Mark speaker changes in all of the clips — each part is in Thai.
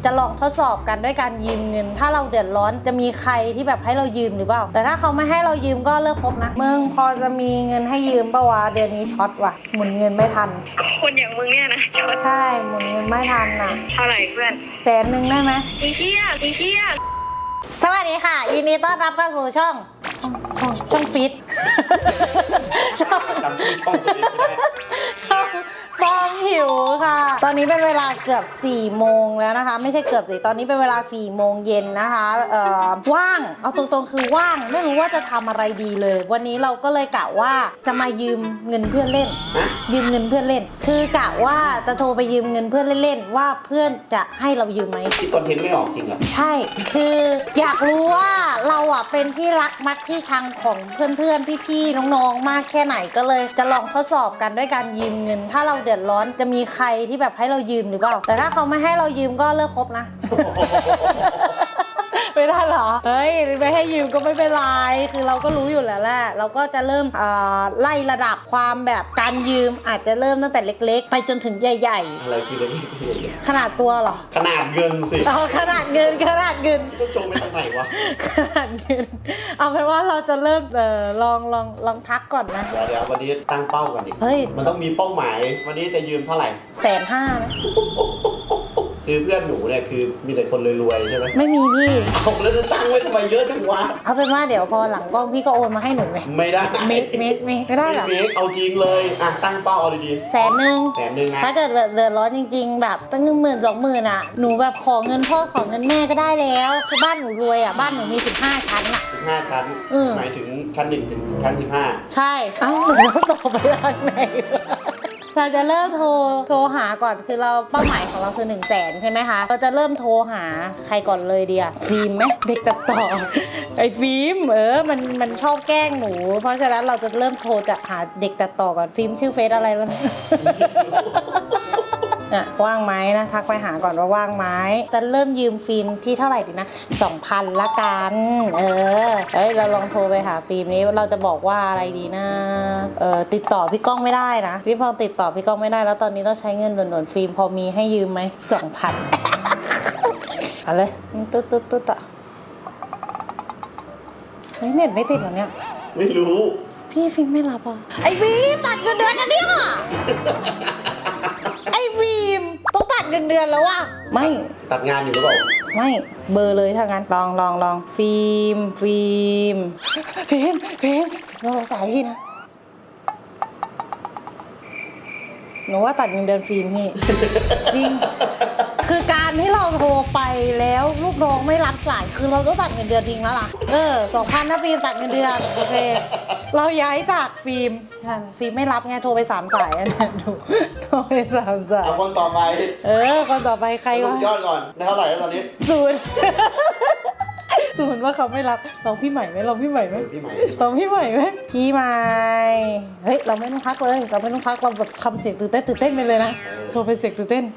Speaker 1: จะลองทดสอบกันด้วยการยืมเงินถ้าเราเดือดร้อนจะมีใครที่แบบให้เรายืมหรือเปล่าแต่ถ้าเขาไม่ให้เรายืมก็เลิกคบนะมึงพอจะมีเงินให้ยืมปะวะเดือนนี้ช็อตว่ะหมุนเงินไม่ทัน
Speaker 2: คนอย่างมึงเนี่ยนะช็อต
Speaker 1: ใช่หมุนเงินไม่ทันน่ะ
Speaker 2: เท่าไหร่เพื่อน
Speaker 1: 100,000ได้ไหม
Speaker 2: อีเหี้ย
Speaker 1: สวัสดีค่ะยินดีต้อนรับเข้าสู่ช่องฟิตช่องฟองหิวค่ะตอนนี้เป็นเวลาเกือบ4 โมงแล้วนะคะไม่ใช่เกือบสิตอนนี้เป็นเวลา4 โมงเย็นนะคะว่างเอาตรงๆคือว่างไม่รู้ว่าจะทำอะไรดีเลยวันนี้เราก็เลยกะว่าจะมายืมเงินเพื่อนเล่นยืมเงินเพื่อนเล่นคือกะว่าจะโทรไปยืมเงินเพื่อนเล่นๆว่าเพื่อนจะให้เรายืมไหม
Speaker 3: ที่คอนเทนต์ไม่ออกจริงเหรอ
Speaker 1: ใช่คืออยากรู้ว่าเราอ่ะเป็นที่รักมักที่ชังของเพื่อนๆพี่ๆน้องๆมากแค่ไหนก็เลยจะลองทดสอบกันด้วยการยืมเงินถ้าเราเดือดร้อนจะมีใครที่แบบให้เรายืมหรือเปล่าแต่ถ้าเขาไม่ให้เรายืมก็เลิกคบนะ ไม่ได้เหรอเฮ้ยไม่ให้ยืมก็ไม่เป็นไรคือเราก็รู้อยู่แล้วแหละเราก็จะเริ่มไล่ระดับความแบบการยืมอาจจะเริ่มตั้งแต่เล็กๆไปจนถึงใหญ่
Speaker 3: ๆอะไรคือเล็ก
Speaker 1: ขนาดตัวเหรอ
Speaker 3: ขนาดเงินสิ
Speaker 1: ขนาดเงิน
Speaker 3: ต้องจงไปทางไหนวะ
Speaker 1: ขนาดเงินเอาเป็นว่าเราจะเริ่มลองทักก่อนนะ
Speaker 3: เดี๋ยววันนี้ตั้งเป้าก่อนดิ
Speaker 1: เฮ้ย
Speaker 3: มันต้องมีเป้าหมายวันนี้จะยืมเท่าไหร่
Speaker 1: 150,000นะ
Speaker 3: คือเพื่อนหนูเนี่ยคือมีแต่คนรวยๆใช่ไหม
Speaker 1: ไม่มีพี่
Speaker 3: เอาแล้วจะตั้งไว้ทำไมเยอะจังวะ
Speaker 1: เอาเป็นว่าเดี๋ยวพอหลังกล้องพี่ก็โอนมาให้หนูไง
Speaker 3: ไม่ได้
Speaker 1: ไม่ได้หรอ
Speaker 3: เอาจริงเลยอ่ะตั้งเป้าเอาดีๆ100,000นะ
Speaker 1: ถ้าเกิดเดือดร้อนจริงๆแบบตั้ง10,000-20,000อ่ะหนูแบบขอเงินพ่อขอเงินแม่ก็ได้แล้วคือบ้านหนูรวยอ่ะบ้านหนูมี15 ชั้นอ่ะ
Speaker 3: 15 ชั้นหมายถึงชั้น1ถึงชั้น15
Speaker 1: ใช่เอ้าหนูต้องตอบไปทางไหนเราจะเริ่มโทรหาก่อนคือเราเป้าหมายของเราคือ100,000ใช่ไหมคะเราจะเริ่มโทรหาใครก่อนเลยเดียฟิล์มไหมเด็กตัดต่อไอ้ฟิล์มมันชอบแกล้งหนูเพราะฉะนั้นเราจะเริ่มโทรจะหาเด็กตัดต่อก่อนฟิล์มชื่อเฟซอะไรแล้วน่ะว่างไหมนะทักไปหาก่อนว่าว่างไหมจะเริ่มยืมฟิล์มที่เท่าไหร่ดีนะ 2,000 ละกันเราลองโทรไปหาฟิล์มนี้เราจะบอกว่าอะไรดีนะติดต่อพี่ก้องไม่ได้นะพี่ฟองติดต่อพี่ก้องไม่ได้แล้วตอนนี้ต้องใช้เงินด่วนๆฟิล์มพอมีให้ยืมไหม 2,000 เอาเลยตุ๊ดอ่ะเฮ้ยเน็ตไม่ติดเหรอเนี่ย
Speaker 3: ไม่รู้
Speaker 1: พี่ฟิล์มไม่รับอ่ะไอฟิล์มตัดเงินเดือนนะเนี่ยไอ้ฟิล์มต้องตัดเงินเดือนแล้วว่ะไม่
Speaker 3: ตัดงานอยู่หรือเปล่า
Speaker 1: ไม่เบอร์เลยถ้างั้นลองฟิล์มเราสายพี่นะหนูว่าตัดเงินเดือนฟิล์มพี่จริงคือการที่เราโทรไปแล้วลูกน้องไม่รับสายคือเราต้องตัดเงินเดือนทิ้งแล้วล่ะ2,000นะฟิล์มตัดเงินเดือนโอเคเราย้ายจากฟิล์มไม่รับไงโทรไป3 สายนะโทรไป3 สาย
Speaker 3: เอาคนต่อไป
Speaker 1: คนต่อไปใครวะ
Speaker 3: ยอดก่อนได้เท่าไหร่แล้วตอนนี้
Speaker 1: 0ว่าเขาไม่รับลองพี่ใหม่ไหมพี่ใหม่เฮ้ยเราไม่ต้องพักเลยเราแบบทำเสียงตื่นเต้นไปเลยนะโทรไปเสียงตื่นเต้น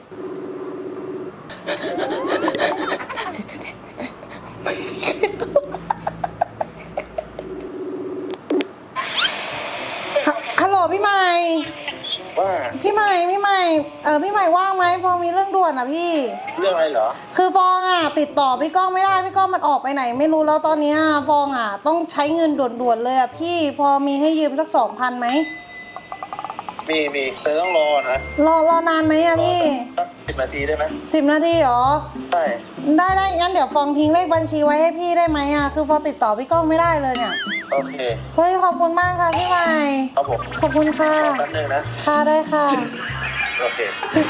Speaker 1: ฮัลโหลพี่ใหม่
Speaker 4: ว่า
Speaker 1: พี่ใหม่พี่ใหม่ว่างไหมฟองมีเรื่องด่วนอ่ะพี่
Speaker 4: เรื่องอะไรเหรอ
Speaker 1: คือฟองอ่ะติดต่อพี่ก้องไม่ได้พี่ก้องมันออกไปไหนไม่รู้แล้วตอนนี้ฟองอ่ะต้องใช้เงินด่วนๆเลยอ่ะพี่พอมีให้ยืมสัก 2,000ไหม
Speaker 4: มีแต่ต้องรอนะ
Speaker 1: รอนานไหมอ่ะพี่
Speaker 4: 10 นาทีได้ไหม
Speaker 1: 10 นาทีเหรอ
Speaker 4: ใช่
Speaker 1: ได้งั้นเดี๋ยวฟองทิ้งเลขบัญชีไว้ให้พี่ได้ไหมอ่ะคือฟองติดต่อพี่ก้องไม่ได้เลยเนี่ย
Speaker 4: โอเค
Speaker 1: เฮ้ยขอบคุณมากค่ะพี่ใหม่
Speaker 4: ครับผม
Speaker 1: ขอบคุณค่ะ
Speaker 4: แป๊บนึงนะ
Speaker 1: ค่ะได้ค่ะ
Speaker 4: โอเค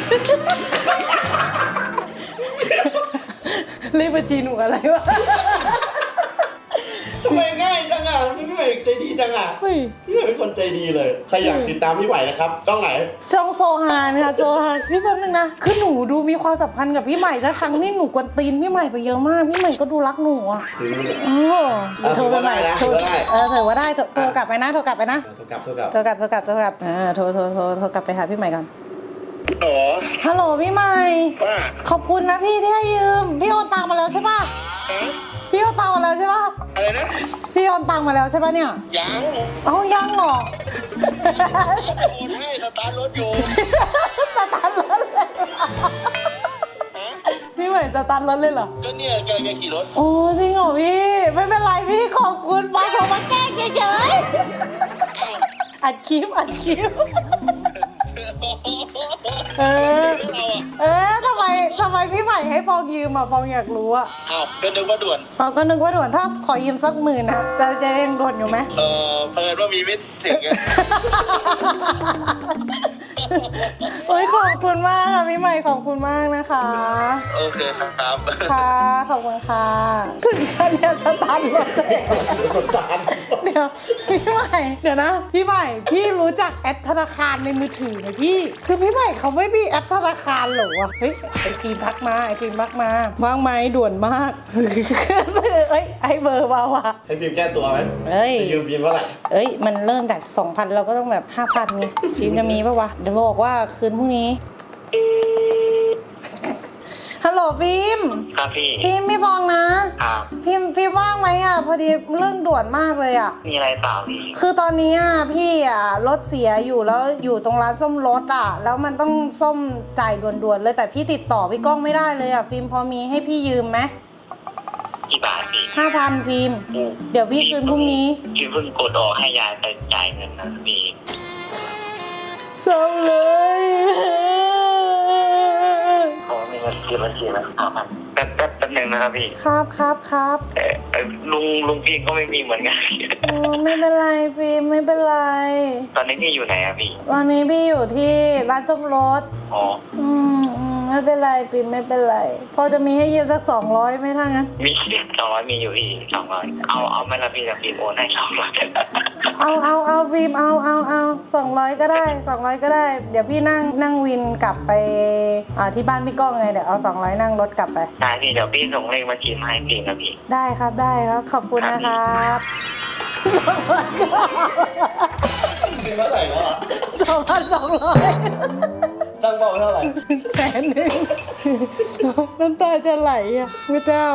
Speaker 1: เลขบัญชีหนูอะไรวะ
Speaker 3: ทำไมง่ายจังอ่ะพี่ใหม่ใจดีจังอ่ะพี่ใหม่เป็นคนใจดีเลยใครอยากติดตามพี่ใหม่นะครับช่องไหน
Speaker 1: ช่องโซฮานค่ะโซฮานพี่แป๊บนึงนะคือหนูดูมีความสัมพันธ์กับพี่ใหม่แล้วครั้งนี้หนูกวนตีนพี่ใหม่ไปเยอะมากพี่ใหม่ก็ดูรักหนูอ่ะ
Speaker 3: โทรไปใหม่
Speaker 1: ถือว่าได้โทรกลับไปนะโทรกลับโทรกลับโทรกลับโทรกลับโทรกลับไปหาพี่ใหม่ก่อนฮัลโหลพี่ใหม่ขอบคุณนะพี่ที่ให้ยืมพี่โอนตังมาแล้วใช่ป่ะพี่โอนตังมาแล้วใช่ป่ะ
Speaker 4: อะไรนะ
Speaker 1: พี่โอนตังมาแล้วใช่ป่ะเนี่ยยังเหรอ
Speaker 4: โอนให้สตาร์ทรถอยู่
Speaker 1: สตาร์ทรถเลยพี่ใหม่สตาร์ทรถเลยเหรอ
Speaker 4: ก็เนี่ยแกขี่รถ
Speaker 1: โอ้จริงเหรอพี่ ไม่เป็นไรพี่ขอบคุณมาโทรมาแกล้งเฉยๆอัดคลิปเออทำไมพี่ใหม่ให้ฟองยืมอ่ะฟองอยากรู้อ่ะ
Speaker 4: อ้าวก็นึกว่าด่วน
Speaker 1: ฟองก็นึกว่าด่วนถ้าขอยืมสัก10,000นะจะยังด่วนอยู่ไหม
Speaker 4: เพิ่นว่ามีไม่ถึงไง
Speaker 1: โอ้ยขอบคุณมากค่ะพี่ใหม่ขอบคุณมากนะคะ
Speaker 4: โอเคครับ
Speaker 1: ค่ะขอบคุณค่ะถึงขั้นเนี่ยสตาร์ทรถเลย
Speaker 3: สตาร์ท
Speaker 1: เดี๋ยวพี่ใหม่เดี๋ยวนะพี่ใหม่พี่รู้จักแอปธนาคารในมือถือไหมพี่คือพี่ใหม่เขาไม่มีแอปธนาคารเหรอวะเฮ้ยไอฟิล์มทักมาว่างไหมด่วนมากเอ้ยไอเบอร์มาว่ะ
Speaker 3: ให้ฟิล์มแก้ตัวไหม
Speaker 1: เอ้ย
Speaker 3: จะยืมฟิล์มเท่าไหร่
Speaker 1: เอ้ยมันเริ่มจาก 2,000 เราก็ต้องแบบ 5,000ไงฟิล์มจะมีปะวะเดี๋ยวบอกว่าคืนพรุ่งนี้ฮัลโหลฟิล์ม
Speaker 4: ครับพี่
Speaker 1: ฟิล์มไม่ฟองนะครับ ฟิล์มว่างไหมอ่ะพอดีเรื่องด่วนมากเลยอ่ะ
Speaker 4: มีอะไรเปล่าพี่
Speaker 1: คือตอนนี้อ่ะพี่อ่ะรถเสียอยู่แล้วอยู่ตรงร้านซ่อมรถอ่ะแล้วมันต้องซ่อมจ่ายด่วนๆเลยแต่พี่ติดต่อพี่ก้องไม่ได้เลยอ่ะฟิล์มพอมีให้พี่ยืมไหม
Speaker 4: กี่บาทพี่
Speaker 1: 5,000ฟิล์มเดี๋ยวพี่คืนพรุ่งนี้
Speaker 4: พี่เพิ่งกดออกให้ยายไปจ่ายเงินนะพี่
Speaker 1: เศร้าเลย
Speaker 4: เขามีเงินคืนบัญชีนะแป๊บนึงนะครับพี่
Speaker 1: ครับ
Speaker 4: ลุงพี่ก็ไม่มีเหมือนกัน
Speaker 1: โอ้ไม่เป็นไรฟิล์มไม่เป็นไร
Speaker 4: ตอนนี้พี่อยู่ไหนอะพี่
Speaker 1: วันนี้พี่อยู่ที่ร้านซ่อมรถ
Speaker 4: อ๋อ
Speaker 1: ไม่เป็นไรฟิล์มไม่เป็นไรพอจะมีให้ยืมสัก200ไหมถ้างั้น
Speaker 4: มี200มีอยู่พี่200เอาไหม่ละพี่จะพี่โอนให้200
Speaker 1: เอาฟิล์มเอา200ก็ได้200ก็ได้ เดี๋ยวพี่นั่งวินกลับไปที่บ้านพี่ก้องไงเดี๋ยวเอา200นั่งรถกลับไป
Speaker 4: ได้พี่เดี๋ยวพี่ส่งเลขบัญชีมาให้พี่นะพี่
Speaker 1: ได้ครับขอบคุณนะครับ
Speaker 3: ฟิล์มเท่าไหร่แล้วอ่ะ
Speaker 1: 2,200
Speaker 3: ตั้งเป้าไว้เท่าไหร่
Speaker 1: 100,000น้ำตาจะไหลอ่ะพระเจ้า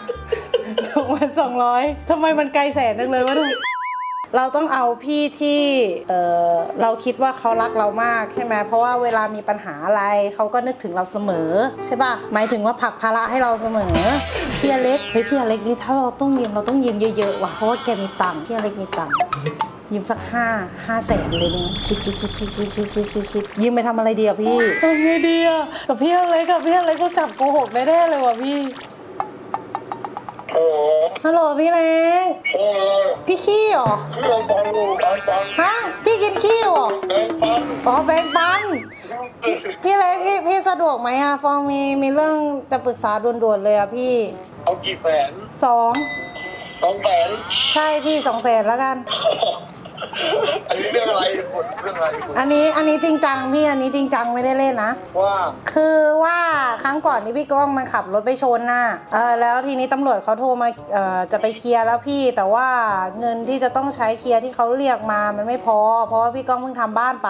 Speaker 1: 2,200ทำไมมันไกลแสนจังเลยวะทุกเราต้องเอาพี่ที่เราคิดว่าเขารักเรามากใช่ไหมเพราะว่าเวลามีปัญหาอะไรเขาก็นึกถึงเราเสมอใช่ป่ะหมายถึงว่าผลักภาระให้เราเสมอพี่อเล็กพี่อเล็กนี่ถ้าเราต้องยืมเยอะๆว่ะเพราะว่าแกมีตังค์พี่อเล็กมีตังค์ยืมสัก5 แสนเลยเนี่ยคิดยืมไปทำอะไรดีอะพี่ทำไงดีอะกับพี่อเล็กก็จับโกหกแน่ๆเลยว่ะพี่
Speaker 4: โอ้
Speaker 1: ฮัลโหลพี่เล็ก
Speaker 4: โอ้
Speaker 1: พี่ขี้เหรอ
Speaker 4: พี่ลองฟังดูฟัง
Speaker 1: ฮะพี่กินขี้เหรอ
Speaker 4: ฟัง
Speaker 1: อ๋อแบงค์ปันพี่เล็กพี่สะดวกไหมอะฟองมีเรื่องจะปรึกษาด่วนๆเลยอะพี่
Speaker 4: เอากี่แสน
Speaker 1: 2
Speaker 4: 200,000
Speaker 1: ใช่พี่200,000แล้วกัน
Speaker 4: อันนี้เรื่องอะไรคุณเรื่องอะไรคุณ
Speaker 1: อันนี้จริงจังพี่อันนี้จริงจังไม่ได้เล่นนะ
Speaker 4: ว่า
Speaker 1: คือว่าครั้งก่อนที่พี่ก้องมันขับรถไปชนน่ะแล้วทีนี้ตำรวจเขาโทรมาจะไปเคลียร์แล้วพี่แต่ว่าเงินที่จะต้องใช้เคลียร์ที่เขาเรียกมามันไม่พอเพราะว่าพี่ก้องเพิ่งทำบ้านไป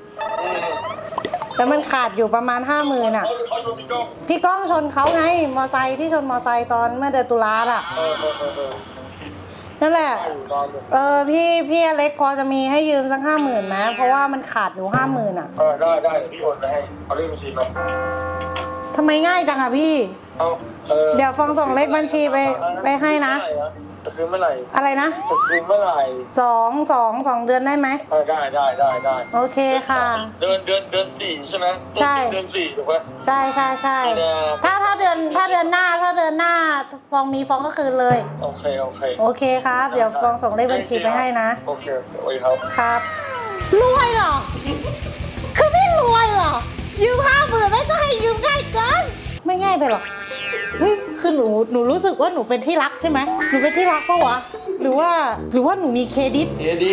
Speaker 1: แล้วมันขาดอยู่ประมาณ50,000อ่ะ
Speaker 4: เขาชมพี่ก้อง
Speaker 1: พี่ก้องชนเขาไงมอไซค์ที่ชนมอไซค์ตอนเมื่อเดือนตุลาอ่ะนั่นแหละพี่อเล็กพอจะมีให้ยืมสัก50,000นะเพราะว่ามันขาดอยู่50,000อ่ะ
Speaker 4: ได้พี่โอนไปให้เอาเลขบัญชีมา
Speaker 1: ทำไมง่ายจังอ่ะพี่ เดี๋ยวฟองส่งเลขบัญชีไปให้นะ
Speaker 4: จะคืนเมื่อไหร่
Speaker 1: อะไรนะ
Speaker 4: จะคืนเมื่อไหร่
Speaker 1: 2 เดือนได้ไหม
Speaker 4: ได้
Speaker 1: โอเคค่ะ
Speaker 4: เดือน4ใช่ไหม
Speaker 1: ใช่
Speaker 4: เดือน4ถูกไหม
Speaker 1: ใช่ถ้าเดือนหน้าฟองมีฟองก็คืนเลย
Speaker 4: โอเค
Speaker 1: โอเคครับ เดี๋ยวฟองส่งเลขบัญชีไปให้นะ
Speaker 4: โอเคครับ
Speaker 1: ครับรวยเหรอ คือไม่รวยเหรอ ยืม50,000ไม่ก็ให้ยืมง่ายเกิน ไม่ง่ายไปหรอ เฮ้ย คือหนูรู้สึกว่าหนูเป็นที่รักใช่ไหม หนูเป็นที่รักปะวะ หรือว่าหนูมีเครดิต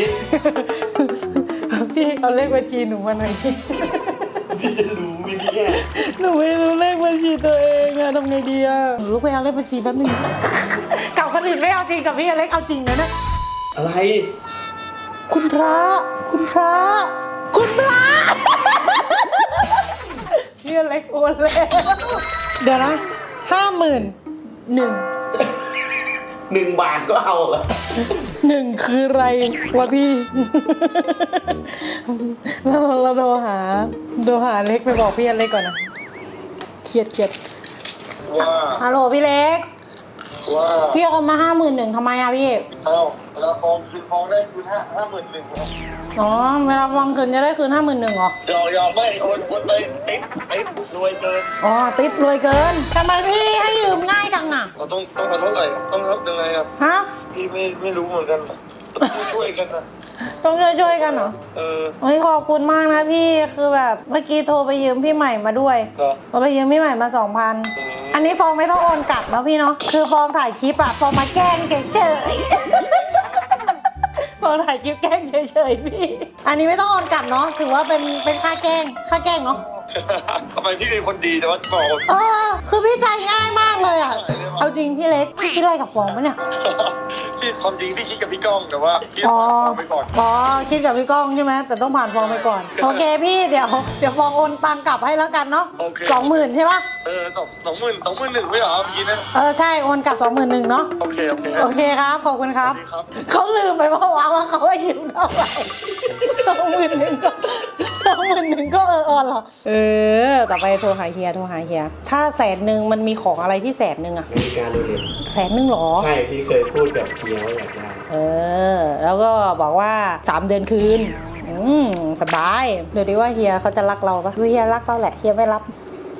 Speaker 1: พี่เอาเลขบัญชีหนูมาหน่อย
Speaker 3: พี่จะรู้ไหมเนี่ย
Speaker 1: หนูไม่รู้เลขบัญชีตัวเองอะทำไงดีอะหนูลุกไปเอาเลขบัญชีแป๊บนึงกับคนอื่นไม่เอาจริงกับพี่อเล็กเอาจริงนะเนี่ย
Speaker 3: อะไร
Speaker 1: คุณพระพี่อเล็กโอนแล้วเดี๋ยวนะ51,000
Speaker 3: 1 บาทก็เอาเหรอ
Speaker 1: 1คืออะไรวะพี่ เราโทรหาเล็กไปบอกพี่อเล็กก่อนนะเครียด
Speaker 5: ว่า
Speaker 1: ฮัลโหลพี่เล็ก
Speaker 5: ว่า
Speaker 1: พี่เอามา51,000ทำไมอะพี่
Speaker 5: เอ้าเวลาฟองคืนฟองได้คืน51,000
Speaker 1: อ๋อเวลาฟองคืนจะได้คืน51,000เหรอ
Speaker 5: ยอมไม่โอนไปติ๊บรวยเกิน
Speaker 1: อ๋อติ๊บรวยเกินทำไมพี่ให้ยืมง่ายจังอะ
Speaker 5: เราต้องเอาเท่าไหร่ต้องรับยังไงอ่ะ
Speaker 1: ฮะ
Speaker 5: พี่ไม่รู้เหมือนกันต้องช่วยกันนะ
Speaker 1: ต้องช่วยกันเหรอ โอ้ยขอบคุณมากนะพี่คือแบบเมื่อกี้โทรไปยืมพี่ใหม่มาด้วย
Speaker 5: เหรอ
Speaker 1: โทรไปยืมพี่ใหม่มา 2,000อันนี้ฟองไม่ต้องโอนกลับแล้วพี่เนาะคือฟองถ่ายคลิปอะฟองมาแกล้งเฉยๆ ฟองถ่ายคลิปแกล้งเฉยๆพี่อันนี้ไม่ต้องโอนกลับเนาะถือว่าเป็นค่าแกล้งเนาะ
Speaker 5: ทำไมพี่เป็นคนดีแต่ว่าบอก
Speaker 1: คือพี่ใจง่ายมากเลยอะเอาจริงพี่เล็กพี่คิดอะไรกับฟองปะเนี่ย
Speaker 5: พี่ความจริงพี่คิดกับพี่ก้องแต่ว่าพี่ผ่านฟองไปก่อน
Speaker 1: อ๋อคิดกับพี่ก้องใช่ไหมแต่ต้องผ่านฟองไปก่อนโอเคพี่เดี๋ยวฟองโอนตังกลับให้แล้วกันเนาะ
Speaker 5: โอเค
Speaker 1: 20,000ใช่ปะ
Speaker 5: 21,000ไม่เหรอเมื่อกี้นะ
Speaker 1: ใช่โอนกลับ21,000เนาะ
Speaker 5: โอเค
Speaker 1: โอเคครับขอบคุณครับ
Speaker 5: สวัสดีครับ
Speaker 1: เขาลืมไปเมื่อวานว่าเขาให้ยืมเท่าไหร่21,000ก็เหรอต่อไปโทรหาเฮียถ้า100,000มันมีของอะไรที่100,000อะ
Speaker 3: นาฬิกาโรเล็กซ์
Speaker 1: 100,000หรอ
Speaker 3: ใช่พี่เคยพูดกับเฮียว่าอยากได้
Speaker 1: แล้วก็บอกว่า3 เดือนคืนสบายเดี๋ยวดีว่าเฮียเขาจะรักเราปะดูเฮียรักเราแหละเฮียไม่รับ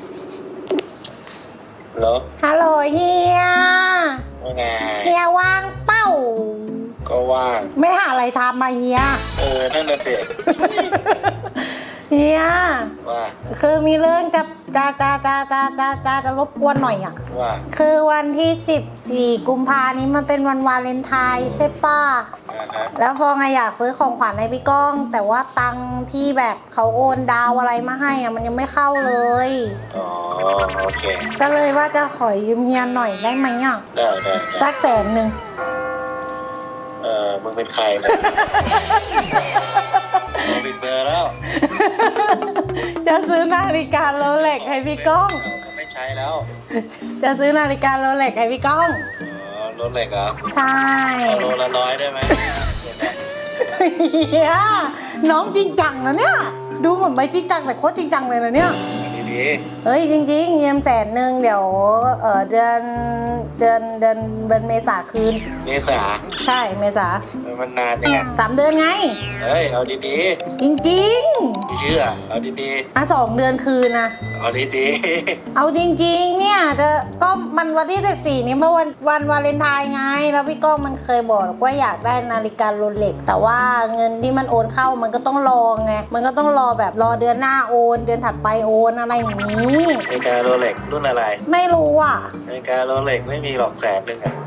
Speaker 5: เหรอ
Speaker 1: ฮัลโหลเฮีย
Speaker 5: ว่าไง
Speaker 1: เฮียว่างเป้า
Speaker 5: ก็ว่าง
Speaker 1: ไม่หาอะไรทำมาเฮีย
Speaker 5: นั่นน่ะเด็ก
Speaker 1: เฮีย
Speaker 5: ว่า
Speaker 1: คือมีเรื่องจะรบกวนหน่อยอ่ะ
Speaker 5: ว่า
Speaker 1: คือวันที่14 กุมภานี้มันเป็นวันวาเลนไทน์ใช่ป่ะ
Speaker 5: ฮะ
Speaker 1: แล้วฟองอะอยากซื้อของขวัญให้พี่ก้อง แต่ว่าตังค์ที่แบบเขาโอนดาวอะไรมาให้อะมันยังไม่เข้าเลย
Speaker 5: อ๋อโอเค
Speaker 1: ก็เลยว่าจะขอยืมเฮียหน่อยได้ไหมอ่ะ
Speaker 5: ได้
Speaker 1: สัก100,000
Speaker 5: มึงเป็นใครเนี่ยมึงปิดเบอร์แล้ว
Speaker 1: จะซื้อนาฬิกาโรเล็กให้พี่ก้อง
Speaker 5: ไม่ใช้แล้ว
Speaker 1: จะซื้อนาฬิกาโรเล็กให้พี่ก้อง
Speaker 5: รถเหล็กเหรอ
Speaker 1: ใช่
Speaker 5: เอาโลละ100ได้ไหม
Speaker 1: เฮียน้องจริงจังนะเนี่ย ดูเหมือนไม่จริงจังแต่โคตรจริงจังเลยนะเนี่ย
Speaker 5: ดี
Speaker 1: เฮ้ยจริงๆยืม100,000เดี๋ยวเดือนเมษาคืน
Speaker 5: ๆเมษา
Speaker 1: ใช่เมษา
Speaker 5: มันนานยังไง
Speaker 1: 3 เดือนไง
Speaker 5: เฮ้ยเอาดี
Speaker 1: จริง
Speaker 5: ๆไม่เชื่อเอาดี
Speaker 1: 2 เดือนคืนนะ
Speaker 5: ๆเอาดี
Speaker 1: เอาจริงๆเนี่ยก็มันวันที่14นี้เมื่อวันวาเลนไทน์ไงแล้วพี่ก้องมันเคยบอกว่าอยากได้นาฬิกาโรเล็กแต่ว่าเงินที่มันโอนเข้ามันก็ต้องรอไงมันก็ต้องรอแบบรอเดือนหน้าโอนเดือนถัดไปโอนอะไรอย่างนี้
Speaker 5: นาฬิกาโรเล็กรุ่นอะไร
Speaker 1: ไม่รู้อ่ะ
Speaker 5: นาฬิกาโรเล็กไม่มีหรอก100,000อ่ะ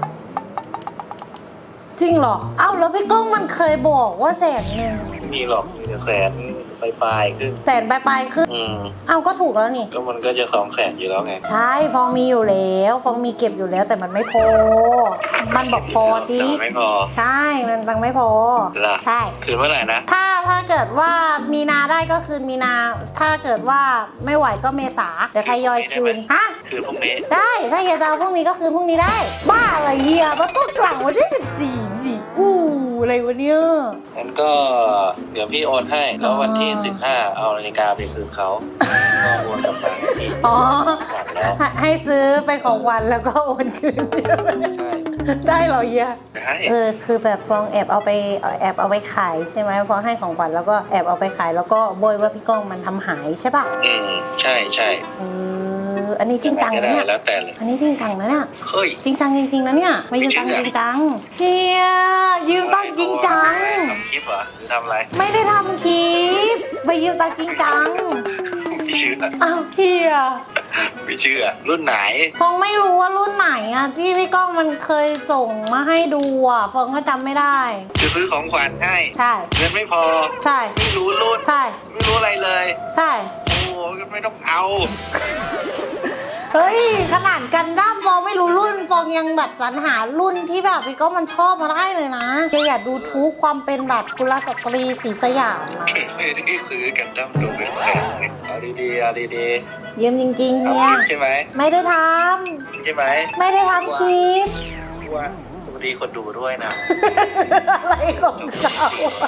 Speaker 1: จริงเหรอเอ้าแล้วพี่ก้องมันเคยบอกว่า100,000
Speaker 5: ไม่มีหรอกมีแต่100,000ปลายๆขึ้น
Speaker 1: 100,000ไปขึ้นเอ้าก็ถูกแล้วนี่
Speaker 5: ก็มันก็จะ200,000อยู่แล้วไง
Speaker 1: ใช่ฟองมีอยู่แล้วฟองมีเก็บอยู่แล้วแต่มันไม่พอ มันบอกพอดิ
Speaker 5: แต่ไม่พอ
Speaker 1: ใช่มันตังค์ไม่พอ
Speaker 5: ล่ะ
Speaker 1: ใช่
Speaker 5: คืนเมื่อไหร่นะ
Speaker 1: ถ้าเกิดว่ามีนาได้ก็คืนมีนา ถ้าเกิดว่าไม่ไหวก็เมษาเดี๋ยวทยอยคืนฮะ
Speaker 5: คืนพรุ่งนี้
Speaker 1: ได้ถ้าเฮียจะเอาพรุ่งนี้ก็คืนพรุ่งนี้ได้ บ้าอะไรเฮียมันก็กลังวันที่14สิอะไรวะเนี่ย
Speaker 5: งั้นก็เดี๋ยวพี่โอนให้แล้ววันที่15เอานาฬิกาไปคืนเขาก็โอนกลับมาให้พี่
Speaker 1: อ๋อ
Speaker 5: หลังแล้ว
Speaker 1: ให้ซื้อไปของวันแล้วก็โอนคืนใช่ไหม
Speaker 5: ใช่
Speaker 1: ได้เหรอเฮีย
Speaker 5: ได้
Speaker 1: คือแบบฟองแอบเอาไปขายใช่ไหมพอให้ของขวัญแล้วก็แอบเอาไปขายแล้วก็โบยว่าพี่ก้องมันทำหายใช่ป่ะ
Speaker 5: ใช่
Speaker 1: อันนี้จริงจัง
Speaker 5: ก็
Speaker 1: นะ
Speaker 5: ได้
Speaker 1: เนี่ย
Speaker 5: แล้วแต่เลย
Speaker 1: อันนี้จริงจังนะเนี่ย
Speaker 5: เฮ้ย
Speaker 1: จริงจังจริงๆนะเนี่ยไม่ยืมตังค์จริงจังเฮียยืมตังค์จริงจัง
Speaker 5: ทำคลิปเหรอหรือทำอะไร
Speaker 1: ไม่ได้ทำคลิปไปยืมตังค์จริงจัง
Speaker 5: ไม่เชื่อ
Speaker 1: อ้าวเฮีย
Speaker 5: ไม่เชื่อรุ่นไหน
Speaker 1: ฟองไม่รู้ว่ารุ่นไหนอะที่พี่ก้องมันเคยส่งมาให้ดูอะฟองก็จำไม่ได้
Speaker 5: จะซื้อของขวัญให้
Speaker 1: ใช่
Speaker 5: เงินไม่พอ
Speaker 1: ใช่
Speaker 5: ไม่รู้รุ่น
Speaker 1: ใช่
Speaker 5: ไม่รู้อะไรเลย
Speaker 1: ใช่
Speaker 5: โอ้ก็ไม่ต้องเอา
Speaker 1: เฮ้ยขนาดกันดั้มฟองไม่รู้รุ่นฟองยังแบบสรรหารุ่นที่แบบพี่ก้องมันชอบมาได้เลยนะอย่าดูทุกความเป็นแบบกุลสตรีศรีสยามนะ
Speaker 5: ไม่ได้ซื้อกันดั้มดูเป็นแสนเอาดีๆเอาดี
Speaker 1: ยืมจริง
Speaker 5: ๆ
Speaker 1: ๆ
Speaker 5: เอา
Speaker 1: เนี่ย
Speaker 5: จริงใช่ไหม
Speaker 1: ไม่ได้ท
Speaker 5: ใช่ไหม
Speaker 1: ำไม่ได้ทำคลิป
Speaker 5: ว่าสวัสดีคนดูด้วยนะ
Speaker 1: อะไรของเขาอะ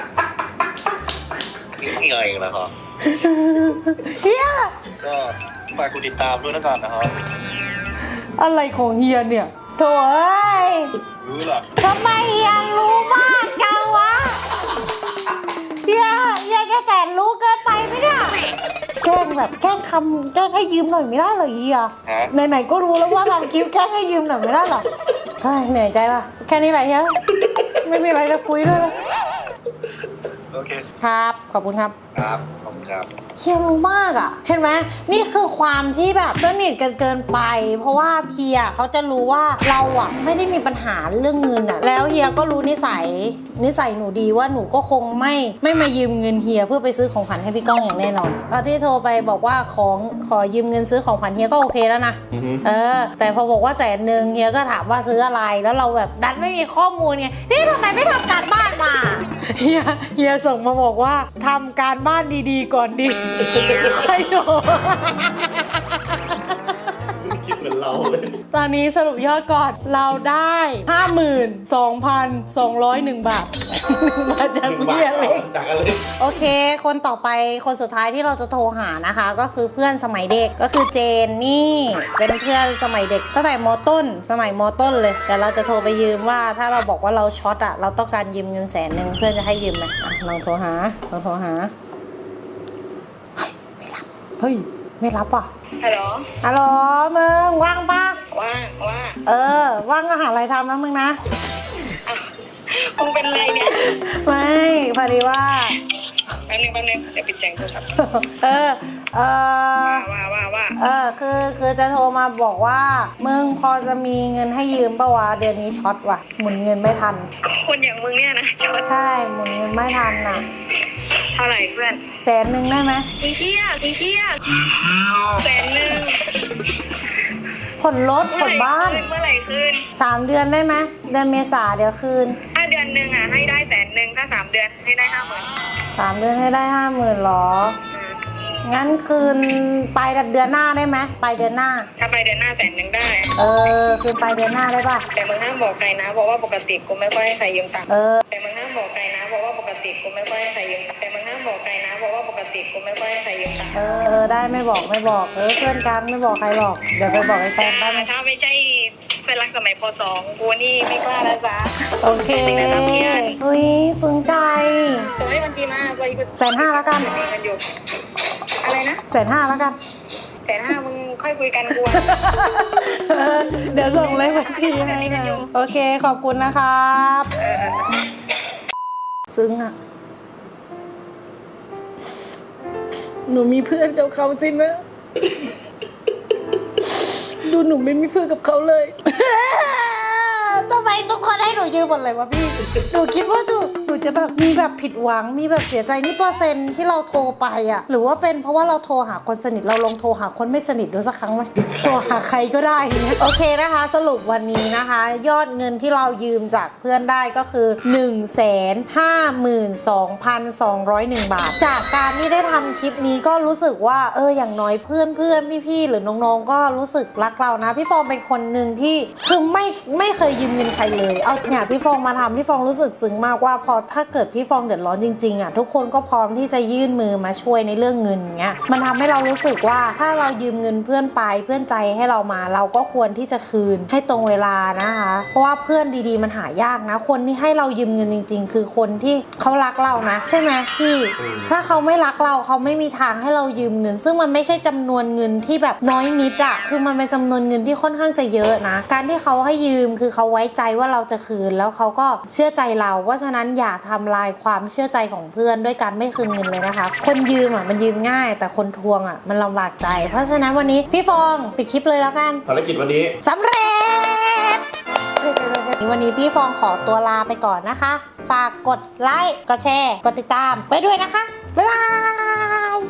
Speaker 5: นี่เงยแล้วเหรอ
Speaker 1: เฮีย
Speaker 5: ก็ฝากกูติดตามด้วยนะก่อนนะครับ
Speaker 1: อะไรของเฮียเนี่ยโถ่เอ้ย
Speaker 5: รู้หรอ
Speaker 1: ทำไมเฮียรู้มากจังวะเฮียแกแสนรู้เกินไปไหมเนี่ยแกล้งแบบแกล้งให้ยืมหน่อยไม่ได้เหรอเฮีย
Speaker 5: ฮะ
Speaker 1: ไหนๆก็รู้แล้วว่าทำคลิปแกล้งให้ยืมหน่อยไม่ได้เหรอเฮ้ยเหนื่อยใจป่ะแค่นี้แหละเฮียไม่มีอะไรจะคุยด้วยเลย
Speaker 5: โอเค
Speaker 1: ครับขอบคุณครับ
Speaker 5: ครับขอบคุณครับ
Speaker 1: เฮียรู้มากอ่ะ เห็นไหมนี่คือความที่แบบสนิทกันเกินไป เพราะว่าเฮียเขาจะรู้ว่าเราอ่ะไม่ได้มีปัญหาเรื่องเงินอ่ะ แล้วเฮียก็รู้นิสัยหนูดีว่าหนูก็คงไม่มายืมเงินเฮียเพื่อไปซื้อของขวัญให้พี่ก้องอย่างแน่นอนตอนที่โทรไปบอกว่าขอยืมเงินซื้อของขวัญเฮียก็โอเคแล้วนะแต่พอบอกว่า100,000เฮียก็ถามว่าซื้ออะไรแล้วเราแบบดันไม่มีข้อมูลไงพี่ทำไมไม่ทำการบ้านมาเฮียส่งมาบอกว่าทำการบ้านดีๆก่อนดิใครโดน
Speaker 3: คิดเหมือนเราเลย
Speaker 1: ตอนนี้สรุปยอดก่อนเราได้ 52,201 บาท มาจากเฮียเล็ก
Speaker 3: จากอะไร
Speaker 1: โอเค คนต่อไปคนสุดท้ายที่เราจะโทรหานะคะ ก็คือเพื่อนสมัยเด็กก็คือเจนนี่เป็นเพื่อนสมัยเด็กตั้งแต่ม.ต้นสมัยม.ต้นเลยแต่เราจะโทรไปยืมว่าถ้าเราบอกว่าเราช็อตอะเราต้องการยืมเงิน100,000เพื่อนจะให้ยืมไหมอ่ะลองโทรหาเฮ้ยไม่รับว่ะ
Speaker 2: ฮัลโหล
Speaker 1: ฮัลโหลมึงว่างปะ
Speaker 2: ว่า
Speaker 1: ว่างก็หาอะไรทำนะมึงนะ
Speaker 2: อ้าวมึงเป็นไรเนี่ย
Speaker 1: ไม่พอดีว่า
Speaker 2: แป๊บนึงเดี๋ยวปิดแจ้งโทรศัพท์
Speaker 1: ว่าคือจะโทรมาบอกว่ามึงพอจะมีเงินให้ยืมปะวะเดือนนี้ช็อตว่ะหมุนเงินไม่ทัน
Speaker 2: คนอย่างมึงเนี่ยนะช็อต
Speaker 1: ใช่หมุนเงินไม่ทันน่ะ
Speaker 2: เท่าไหร่เพื่อน
Speaker 1: 100,000ได้ไหม
Speaker 2: อีเชี่ย100,000
Speaker 1: ผ่อนรถผ่อนบ้าน
Speaker 2: เมื่อไหร่คืน
Speaker 1: 3 เดือนได้ไหมเดือนเมษาเดี๋ยวคืน
Speaker 2: ถ้าเดือนหนึ่งอ่ะให้ได้100,000ถ้า3 เดือนให้ได้50,000
Speaker 1: 3 เดือนให้ได้ 50,000หรองั้นคืนไปเดือนหน้าได้ไหมไปเดือนหน้า
Speaker 2: ถ้าไปเดือนหน้า100,000ได้
Speaker 1: คืนไปเดือนหน้าได้ปะ
Speaker 2: แต่มึงห้ามบอกใครนะเพราะว่าปกติกูไม่ค่อยให้ใครยืมตังค์ แต่มึงห้ามบอกใครนะเพราะว่าปกติกูไม่ค่อยให้ใครยืมตังค์แต่มึงห้ามบอกใครนะเพราะว่าปกติกูไม่ค่อยให้ใครยืมตังค์
Speaker 1: ได้ไม่บอกเพื่อนกันไม่บอกใครหรอกเดี๋ยวไปบอกไอ้แฟนได้ไหม
Speaker 2: ถ้าไม่ใช่เพื่อนรักสมัยป .2 กูนี่ไม่กล้าแล้วจ้า
Speaker 1: โอเคเฮ้ยซึ้งใจ
Speaker 2: ส่งให้บัญชีมาไปกู
Speaker 1: 150,000แล้วกัน
Speaker 2: เงินอยู่อะไรนะ
Speaker 1: 150,000แล้วกัน
Speaker 2: 150,000มึงค่อยคุยกันกู
Speaker 1: เดี๋ยวส่งเลขบัญชีให้นะโอเคขอบคุณนะครับซึ้งอ่ะหนูมีเพื่อนกับเขาสินะดูหนูไม่มีเพื่อนกับเขาเลยทำไมทุกคนให้หนูยืมหมดเลยวะพี่ หนูคิดว่าหนูจะแบบมีแบบผิดหวังมีแบบเสียใจนี่เปอร์เซ็นต์ที่เราโทรไปอ่ะหรือว่าเป็นเพราะว่าเราโทรหาคนสนิทเราลองโทรหาคนไม่สนิทดูสักครั้งไหมโทรหาใครก็ได้เนี่ยโอเคนะคะสรุปวันนี้นะคะ ยอดเงินที่เรายืมจากเพื่อนได้ก็คือ 152,201 บาทจากการที่ได้ทำคลิปนี้ก็รู้สึกว่าอย่างน้อยเพื่อนพี่ๆหรือน้องๆก็รู้สึกรักเรานะพี่ฟองเป็นคนหนึ่งที่คือไม่เคยยืมเงินใครเลยเอาเนี่ยพี่ฟองมาทำพี่ฟองรู้สึกซึ้งมากว่าพอถ้าเกิดพี่ฟองเดือดร้อนจริงๆอ่ะทุกคนก็พร้อมที่จะยื่นมือมาช่วยในเรื่องเงินเงี้ยมันทำให้เรารู้สึกว่าถ้าเรายืมเงินเพื่อนไปเพื่อนใจให้เรามาเราก็ควรที่จะคืนให้ตรงเวลานะคะเพราะว่าเพื่อนดีๆมันหายากนะคนที่ให้เรายืมเงินจริงๆคือคนที่เขารักเรานะใช่ไหมพี่ถ้าเขาไม่รักเราเขาไม่มีทางให้เรายืมเงินซึ่งมันไม่ใช่จำนวนเงินที่แบบน้อยนิดอะคือมันเป็นจำนวนเงินที่ค่อนข้างจะเยอะนะการที่เขาให้ยืมคือเขาไว้ใจว่าเราจะคืนแล้วเขาก็เชื่อใจเราเพราะฉะนั้นอย่าทำลายความเชื่อใจของเพื่อนด้วยการไม่คืนเงินเลยนะคะคนยืมมันยืมง่ายแต่คนทวงมันลำบากใจเพราะฉะนั้นวันนี้พี่ฟองปิดคลิปเลยแล้วกัน
Speaker 3: ภารกิจวันนี้
Speaker 1: สำเร็จวันนี้พี่ฟองขอตัวลาไปก่อนนะคะฝากกดไลค์กดแชร์กดติดตามไปด้วยนะคะบ๊ายบาย